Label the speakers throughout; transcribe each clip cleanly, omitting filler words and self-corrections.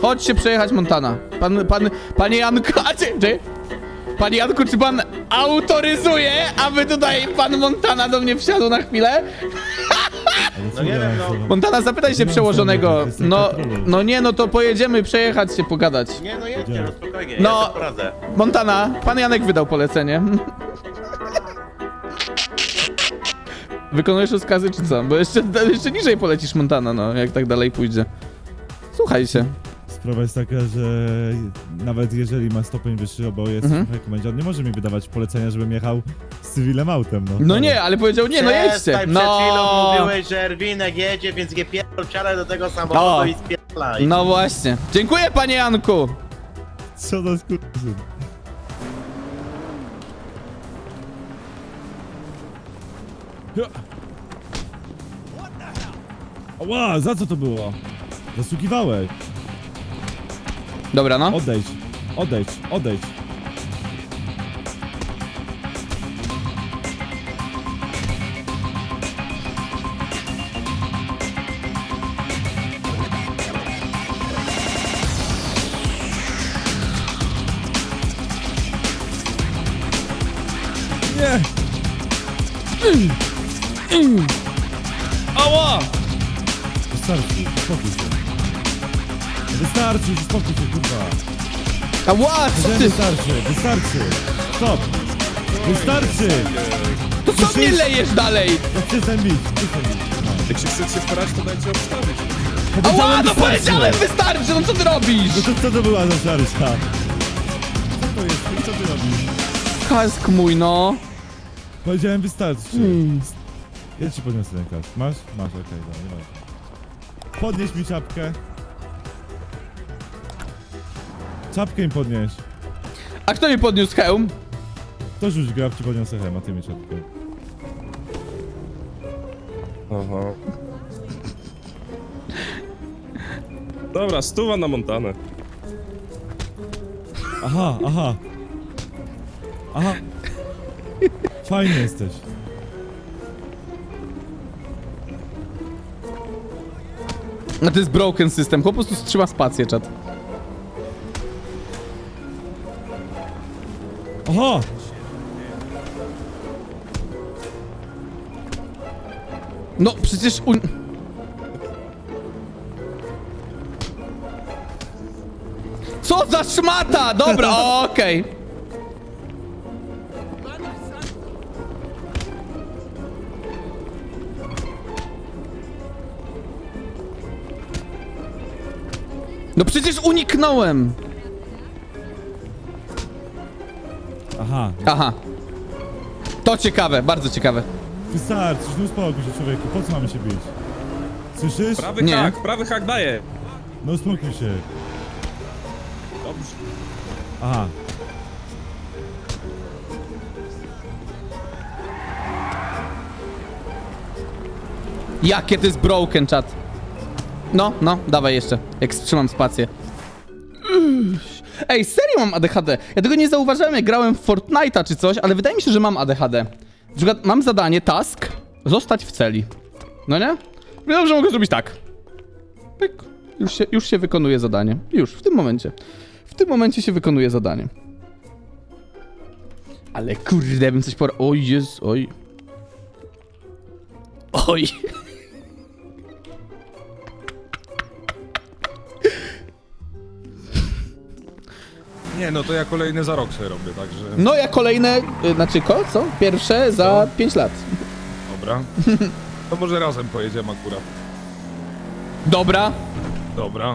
Speaker 1: Chodźcie przejechać Montana. Panie Janku, Panie Janku, czy pan autoryzuje, aby tutaj pan Montana do mnie wsiadł na chwilę?
Speaker 2: No nie wiem, no.
Speaker 1: Montana, zapytaj się przełożonego. No nie, no to pojedziemy przejechać się, pogadać.
Speaker 2: Nie, no jedźcie, no spokojnie,
Speaker 1: No.
Speaker 2: ja sobie poradzę.
Speaker 1: Montana, pan Janek wydał polecenie. Wykonujesz rozkazy czy co? Bo jeszcze niżej polecisz Montana, no, jak tak dalej pójdzie. Słuchaj się.
Speaker 3: Sprawa jest taka, że nawet jeżeli ma stopień wyższy, bo jest w komendzie, on nie może mi wydawać polecenia, żebym jechał z cywilem autem, no.
Speaker 1: No nie, ale powiedział nie, no jedźcie.
Speaker 2: Przestań, przed chwilą mówiłeś, że Erwinek jedzie, więc nie pierdol, wsiadaj do tego samochodu i spierdalaj.
Speaker 1: No właśnie. Dziękuję, panie Janku.
Speaker 3: Co za skurczyn. Ła, za co to było? Zasługiwałeś.
Speaker 1: Dobra, no.
Speaker 3: Odejdź, odejdź, odejdź. Nie!
Speaker 1: Ała!
Speaker 3: Wystarczy, uspokój się. Wystarczy, uspokój się, kurwa.
Speaker 1: Ała, co ty?
Speaker 3: Wystarczy, wystarczy. Stop. Wystarczy.
Speaker 1: To co mnie lejesz dalej?
Speaker 3: No przestań bić, przestań bić.
Speaker 4: Jak się chcecie starać, to dajcie obstawić.
Speaker 1: Ała, no
Speaker 3: wystarczy.
Speaker 1: powiedziałem, wystarczy, no co ty robisz?
Speaker 3: No to co to była za szarża? Co to jest? Co ty robisz?
Speaker 1: Kask mój, no.
Speaker 3: Powiedziałem wystarczy. Ja ci podniosę ten kask. Masz? Masz, okej, dobra, nie ma. Podnieś mi czapkę. Czapkę im podnieś.
Speaker 1: A kto mi podniósł hełm?
Speaker 3: To rzuć grab, ci podniosę hem, a ty mi czapkę.
Speaker 4: Aha. Dobra, 100 na Montanę.
Speaker 3: Aha, aha. Aha. Fajny jesteś.
Speaker 1: No to jest broken system, po prostu trzyma spację, czat.
Speaker 3: Aha!
Speaker 1: No przecież Co za szmata! Dobra, okej. No przecież uniknąłem!
Speaker 3: Aha.
Speaker 1: Aha. To ciekawe, bardzo ciekawe.
Speaker 3: Wystarczy, no uspokój się, człowieku. Po co mamy się bić? Słyszysz?
Speaker 1: Nie.
Speaker 4: Prawy hak daje.
Speaker 3: No uspokój się.
Speaker 4: Dobrze.
Speaker 3: Aha.
Speaker 1: Jakie to jest broken, czat. No, dawaj jeszcze, jak wstrzymam spację. Ej, serio mam ADHD. Ja tego nie zauważyłem, jak grałem w Fortnite'a czy coś, ale wydaje mi się, że mam ADHD. Na przykład mam zadanie, task, zostać w celi. No nie? Wiem, że mogę zrobić tak. Pyk. Już się wykonuje zadanie. Już, w tym momencie. W tym momencie się wykonuje zadanie. Ale kurde, bym coś oj, jest, oj. Oj.
Speaker 5: Nie, no to ja kolejny za rok sobie robię, także...
Speaker 1: No ja kolejne, co? Pierwsze za 5 lat.
Speaker 5: Dobra. To może razem pojedziemy akurat.
Speaker 1: Dobra.
Speaker 5: Dobra.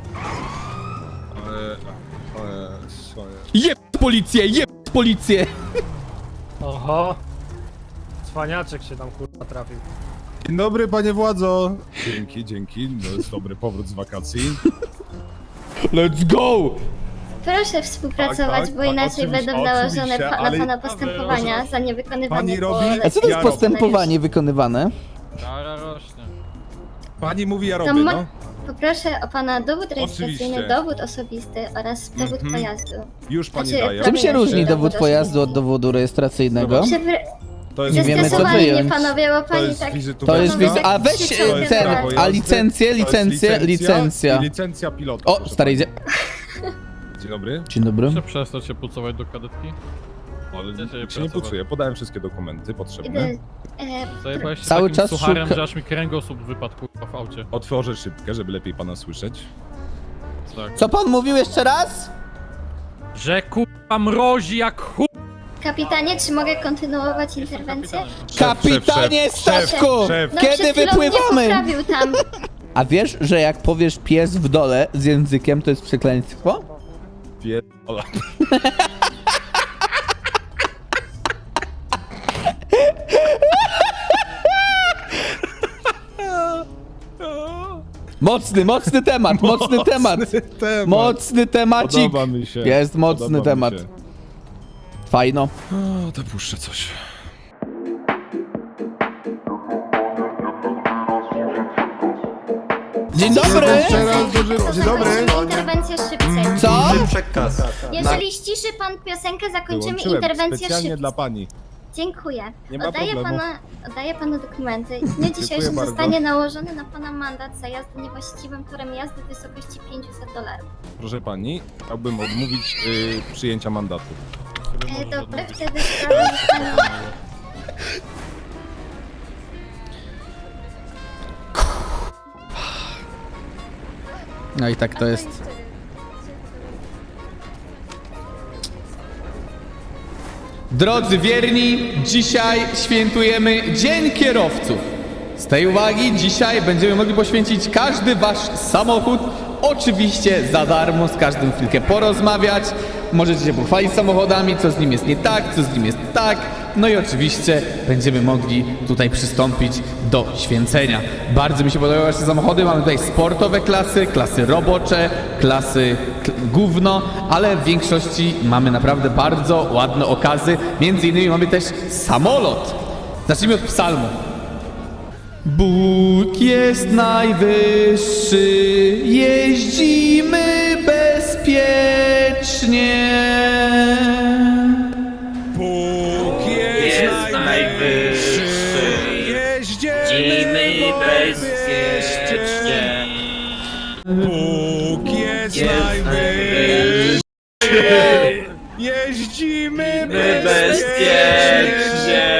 Speaker 1: Jeb policję!
Speaker 6: Oho. Cwaniaczek się tam kurwa trafił.
Speaker 5: Dzień dobry, panie władzo. Dzięki. To jest dobry powrót z wakacji.
Speaker 1: Let's go!
Speaker 7: Proszę współpracować,
Speaker 5: Tak,
Speaker 7: bo inaczej
Speaker 5: oczywiście,
Speaker 7: będą nałożone
Speaker 5: oczywiście,
Speaker 7: na
Speaker 5: ale-
Speaker 7: pana postępowania za niewykonywanie
Speaker 5: Pani robi-
Speaker 1: A co to jest
Speaker 5: Ja
Speaker 1: postępowanie wykonywane?
Speaker 6: Kara rośnie.
Speaker 5: Pani mówi, ja
Speaker 7: To
Speaker 5: robię,
Speaker 7: mo-
Speaker 5: no.
Speaker 7: Poproszę o pana dowód rejestracyjny,
Speaker 5: Oczywiście.
Speaker 7: dowód osobisty oraz dowód pojazdu.
Speaker 5: Już pani
Speaker 7: Znaczy,
Speaker 5: daje.
Speaker 1: Czym się
Speaker 7: Prawie
Speaker 1: różni
Speaker 7: się
Speaker 1: dowód
Speaker 7: dowód
Speaker 1: pojazdu od
Speaker 7: osobisty.
Speaker 1: dowodu rejestracyjnego?
Speaker 5: To jest
Speaker 1: Nie wiemy, co
Speaker 7: Zestresowali mnie
Speaker 1: wyjąć.
Speaker 7: panowie, bo
Speaker 5: To
Speaker 7: pani
Speaker 5: jest
Speaker 7: tak...
Speaker 5: wizytówka.
Speaker 1: To jest wizy... A weź
Speaker 7: To jest
Speaker 1: ten,
Speaker 5: prawo
Speaker 1: a
Speaker 5: jazdy,
Speaker 1: licencję,
Speaker 5: to jest
Speaker 1: licencja.
Speaker 5: I licencja pilota.
Speaker 1: O,
Speaker 5: proszę
Speaker 1: stary, idzie.
Speaker 5: pani. Dzień dobry.
Speaker 1: Dzień dobry.
Speaker 6: Muszę przestać się pucować do kadetki.
Speaker 5: Ale
Speaker 6: Gdzie się
Speaker 5: się nie
Speaker 6: pracować?
Speaker 5: pucuję, podałem wszystkie dokumenty potrzebne.
Speaker 7: Idę...
Speaker 6: Zajebałeś się
Speaker 1: Cały
Speaker 6: takim
Speaker 1: czas
Speaker 6: sucharem,
Speaker 1: szuka-
Speaker 6: że aż mi kręgosłup wypadł kurwa w aucie.
Speaker 5: Otworzę szybkę, żeby lepiej pana słyszeć.
Speaker 6: Tak.
Speaker 1: Co pan mówił jeszcze raz?
Speaker 6: Że kurwa mrozi jak chuj!
Speaker 7: Kapitanie, czy mogę kontynuować interwencję?
Speaker 1: Kapitanie statku!
Speaker 5: szef.
Speaker 7: No,
Speaker 1: Kiedy
Speaker 7: przed chwilą
Speaker 1: wypływamy?
Speaker 7: mnie poprawił tam.
Speaker 1: A wiesz, że jak powiesz pies w dole z językiem, to jest przekleństwo?
Speaker 5: Pierdolę.
Speaker 1: Mocny temat, mocny temat. Mocny temacik.
Speaker 5: Podoba mi się.
Speaker 1: Jest mocny
Speaker 5: Podoba mi
Speaker 1: temat.
Speaker 5: się.
Speaker 1: Fajno.
Speaker 5: O, to puszczę coś.
Speaker 1: Dzień dobry!
Speaker 5: Dzień dobry.
Speaker 7: Interwencję szybciej.
Speaker 1: Co?
Speaker 7: Jeżeli ściszy pan piosenkę, zakończymy
Speaker 5: Wyłączyłem
Speaker 7: interwencję
Speaker 5: specjalnie
Speaker 7: szybciej.
Speaker 5: dla pani.
Speaker 7: Dziękuję.
Speaker 5: Nie ma problemu.
Speaker 7: Oddaję panu dokumenty. W dniu dzisiejszym
Speaker 5: bardzo.
Speaker 7: zostanie nałożony na pana mandat za jazdę niewłaściwym torem jazdy w wysokości $500.
Speaker 5: Proszę pani, chciałbym odmówić przyjęcia mandatu.
Speaker 7: Dobrze, wtedy sprawa zostanie...
Speaker 1: No i tak to jest. Drodzy wierni, dzisiaj świętujemy Dzień Kierowców. Z tej uwagi dzisiaj będziemy mogli poświęcić każdy wasz samochód. Oczywiście za darmo, z każdym chwilkę porozmawiać. Możecie się pochwalić samochodami, co z nim jest nie tak, co z nim jest tak. No i oczywiście będziemy mogli tutaj przystąpić do święcenia. Bardzo mi się podobają wasze samochody. Mamy tutaj sportowe klasy, klasy robocze, klasy gówno, ale w większości mamy naprawdę bardzo ładne okazy. Między innymi mamy też samolot. Zacznijmy od psalmu. Bóg jest najwyższy, jeździmy bezpiecznie.
Speaker 4: Bóg jest najwyższy, jeździmy bezpiecznie. Bóg jest najwyższy, jeździmy bezpiecznie.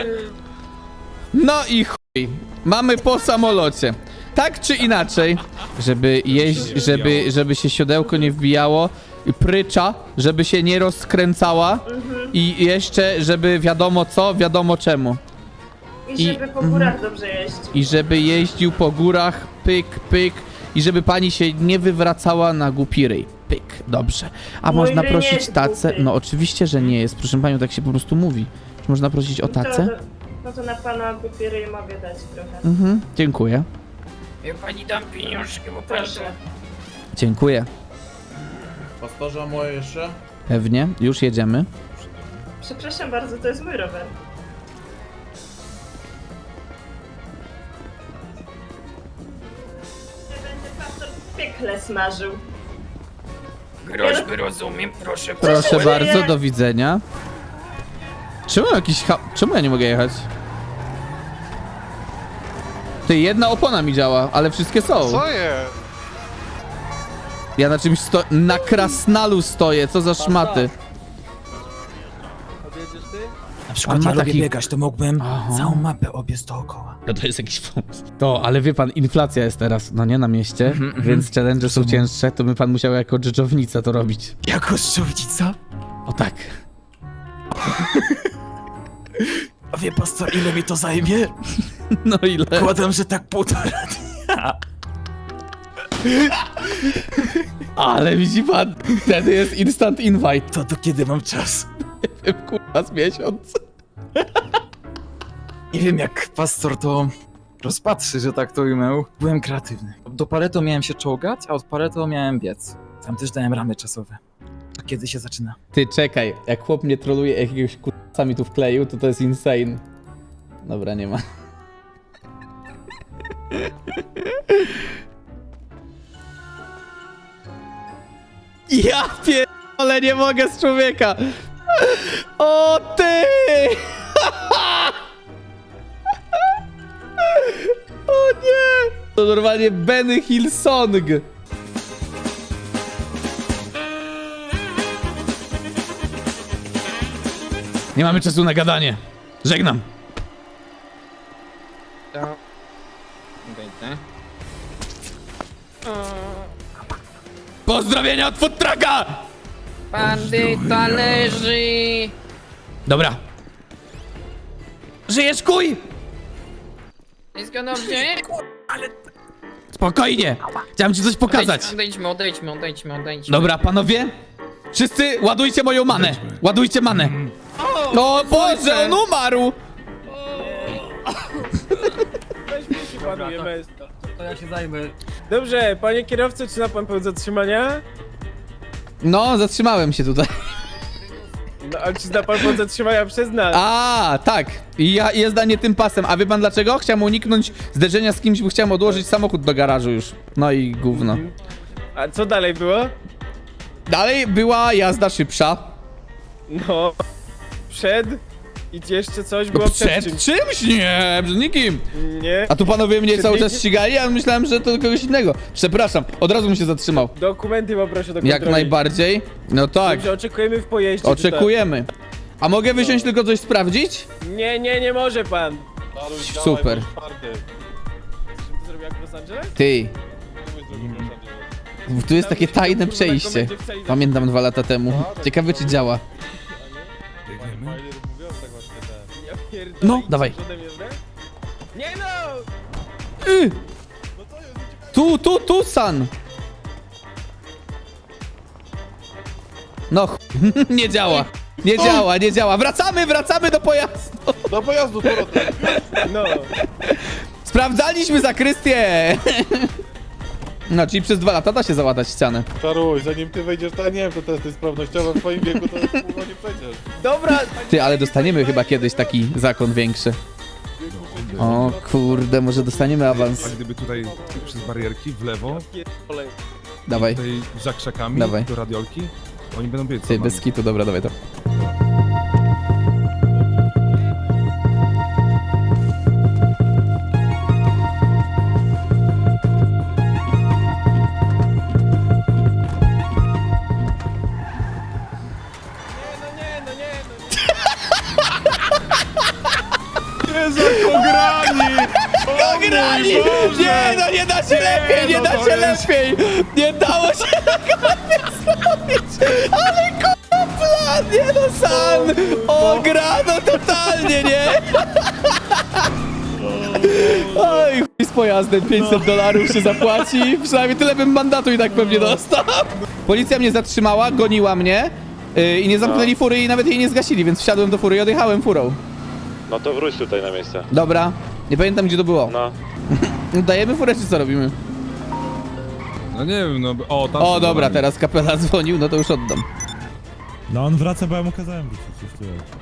Speaker 1: No i chuj, mamy po samolocie. Tak czy inaczej, żeby żeby się siodełko nie wbijało, i prycza, żeby się nie rozkręcała i jeszcze, żeby wiadomo co, wiadomo czemu.
Speaker 8: I żeby po górach dobrze jeść.
Speaker 1: I żeby jeździł po górach, pyk, pyk, i żeby pani się nie wywracała na głupi ryj. Pyk, dobrze. A
Speaker 8: Mój
Speaker 1: można
Speaker 8: ryj nie
Speaker 1: prosić
Speaker 8: jest
Speaker 1: tacę?
Speaker 8: głupi.
Speaker 1: No oczywiście, że nie jest. Proszę panią, tak się po prostu mówi. Czy można prosić o tacę?
Speaker 8: No to na pana papiery mogę dać trochę.
Speaker 1: Mhm, dziękuję.
Speaker 9: Ja pani dam pieniążki, bo
Speaker 8: Proszę.
Speaker 1: Dziękuję.
Speaker 2: Powtarza moje jeszcze?
Speaker 1: Pewnie, już jedziemy.
Speaker 8: Przepraszam bardzo, to jest mój rower. Nie będzie pastor w piekle smażył.
Speaker 9: groźby rozumiem, proszę.
Speaker 1: Proszę
Speaker 8: nie,
Speaker 1: bardzo,
Speaker 8: nie.
Speaker 1: do widzenia. Czemu ja nie mogę jechać? Ty, jedna opona mi działa, ale wszystkie są.
Speaker 10: Co jest?
Speaker 1: Ja na czymś na krasnalu stoję, co za szmaty.
Speaker 9: Na przykład
Speaker 1: ma
Speaker 9: ja lubię
Speaker 1: taki-
Speaker 9: biegać, to mógłbym
Speaker 1: Aha.
Speaker 9: całą mapę obiec dookoła.
Speaker 1: No to jest jakiś pomysł. To, ale wie pan, inflacja jest teraz, no nie, na mieście, więc challenge są cięższe, to by pan musiał jako dżdżownica to robić.
Speaker 9: Jako szczownica?
Speaker 1: O tak.
Speaker 9: A wie pastor, ile mi to zajmie?
Speaker 1: No ile?
Speaker 9: Kładam, że tak 1,5 dnia.
Speaker 1: Ale widzi pan, wtedy jest instant invite.
Speaker 9: To do kiedy mam czas?
Speaker 1: Kurwa, z miesiąc.
Speaker 9: Nie wiem, jak pastor to rozpatrzy, że tak to ujmę. Byłem kreatywny. Do Pareto miałem się czołgać, a od Pareto miałem biec. Tam też dałem ramy czasowe. A kiedy się zaczyna?
Speaker 1: Ty, czekaj, jak chłop mnie troluje, jakiegoś kurwa mi tu wkleił, to jest insane. Dobra, nie ma. Ja pierdolę, nie mogę z człowieka. O ty! To normalnie Benny Hill Song. Nie mamy czasu na gadanie. Żegnam. Pozdrowienia od food trucka!
Speaker 10: Bandyta leży!
Speaker 1: Dobra. Żyjesz, kuj?
Speaker 10: Wszystko dobrze?
Speaker 1: Spokojnie. Chciałem ci coś pokazać.
Speaker 10: Odejdźmy.
Speaker 1: Dobra, panowie. Wszyscy ładujcie moją manę. Ładujcie manę. O Boże, on umarł.
Speaker 6: To ja się zajmę. Dobrze, panie kierowco, czy ma pan pełen zatrzymania?
Speaker 1: No, zatrzymałem się tutaj.
Speaker 6: No, a czy zna pan pełen zatrzymania przez nas?
Speaker 1: A, tak. I ja jezda nie tym pasem. A wie pan dlaczego? Chciałem uniknąć zderzenia z kimś, bo chciałem odłożyć samochód do garażu już. No i gówno.
Speaker 6: A co dalej było?
Speaker 1: Dalej była jazda szybsza.
Speaker 6: No, przed i jeszcze coś było przed
Speaker 1: Przed
Speaker 6: czymś.
Speaker 1: czymś? Nie, przed nikim.
Speaker 6: Nie,
Speaker 1: A tu panowie mnie
Speaker 6: Przed
Speaker 1: cały
Speaker 6: nikim?
Speaker 1: czas ścigali, a myślałem, że to kogoś innego. Przepraszam, od razu bym się zatrzymał.
Speaker 6: dokumenty poproszę do kontroli.
Speaker 1: Jak najbardziej. No tak,
Speaker 6: Dobrze, oczekujemy w pojeździe.
Speaker 1: oczekujemy. A mogę wysiąść tylko coś sprawdzić?
Speaker 6: Czy tak? Nie może pan.
Speaker 1: Super.
Speaker 6: To zrobił jak w Los Angeles?
Speaker 1: Ty. Tu jest takie tajne przejście. Pamiętam 2 lata temu. Ciekawe czy działa.
Speaker 6: Ja pierdolę,
Speaker 1: No,
Speaker 6: idziesz
Speaker 1: dawaj.
Speaker 6: ode mnie w grę? Nie no!
Speaker 1: Tu, San. No nie działa. Nie działa. Wracamy do pojazdu.
Speaker 5: Do pojazdu, powrotem.
Speaker 6: No.
Speaker 1: Sprawdzaliśmy zakrystię. No, czyli przez 2 lata da się załatać ścianę.
Speaker 5: Czaruj, zanim ty wejdziesz, to ja nie wiem, to testy sprawnościowe w twoim wieku, to kurwa nie przejdziesz.
Speaker 6: Dobra,
Speaker 1: Ty, ale dostaniemy chyba kiedyś taki zakon większy. O kurde, może dostaniemy awans.
Speaker 5: A gdyby tutaj przez barierki w lewo,
Speaker 6: pierdolę.
Speaker 1: Dawaj.
Speaker 5: tutaj za krzakami,
Speaker 1: Dawaj.
Speaker 5: do radiolki, oni będą biec za
Speaker 1: Ty,
Speaker 5: nami.
Speaker 1: bez kitu, dobra, dawaj to. Ograni! Nie, no nie da się lepiej, nie da się lepiej! Nie dało się tego nie zrobić! Ale kurwa plan, nie no San! Ograno totalnie, nie? Oj, chuj z pojazdem, $500 się zapłaci. Przynajmniej tyle bym mandatu i tak pewnie dostał. Policja mnie zatrzymała, goniła mnie i nie zamknęli fury i nawet jej nie zgasili, więc wsiadłem do fury i odjechałem furą.
Speaker 11: No to wróć tutaj na miejsce.
Speaker 1: Dobra, nie pamiętam gdzie to było.
Speaker 11: No.
Speaker 1: Dajemy furę czy co robimy?
Speaker 5: No nie wiem, no o, tam
Speaker 1: O
Speaker 5: są
Speaker 1: dobra,
Speaker 5: za nami.
Speaker 1: teraz kapela dzwonił, no to już oddam.
Speaker 3: No on wraca, bo ja mu kazałem wrócić. Już tu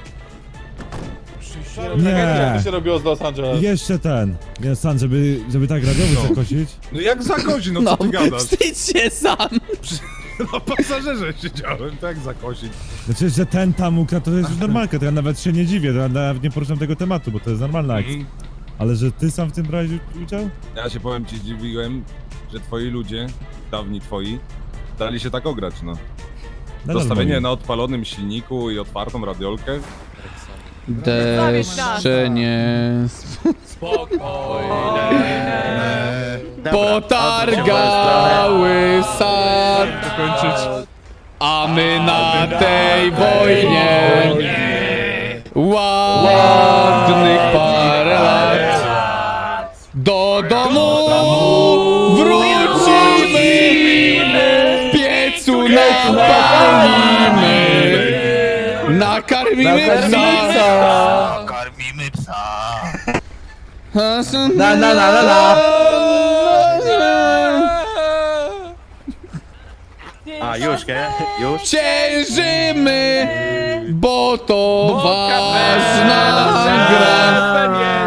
Speaker 3: jest.
Speaker 5: Nie.
Speaker 3: Nie.
Speaker 5: Jak to się robiło z Los Angeles?
Speaker 3: Jeszcze ten. Nie, San, żeby tak radiowy zakosić.
Speaker 5: No jak zakosić, no
Speaker 1: No,
Speaker 5: co ty gadasz?
Speaker 1: wstydź się sam!
Speaker 5: Na pasażerze siedziałem, tak zakosić.
Speaker 3: Znaczy, że ten tam ukradł, to jest już normalka, to ja nawet się nie dziwię, to ja nawet nie poruszam tego tematu, bo to jest normalna akcja. Ale że ty sam w tym brałeś udział?
Speaker 5: Ja się powiem ci, dziwiłem, że twoi ludzie, dawni twoi, dali się tak ograć, no.
Speaker 3: Nadal
Speaker 5: Zostawienie
Speaker 3: mogę.
Speaker 5: na odpalonym silniku i otwartą radiolkę.
Speaker 1: Deszcze nie... Potargały sad, a my na tej wojnie ładnych parę lat do domu wrócimy, w piecu napalimy, nakarmimy psa.
Speaker 2: Karmimy psa. A, już, nie? Już?
Speaker 1: Ciężymy, bo to ważna gra.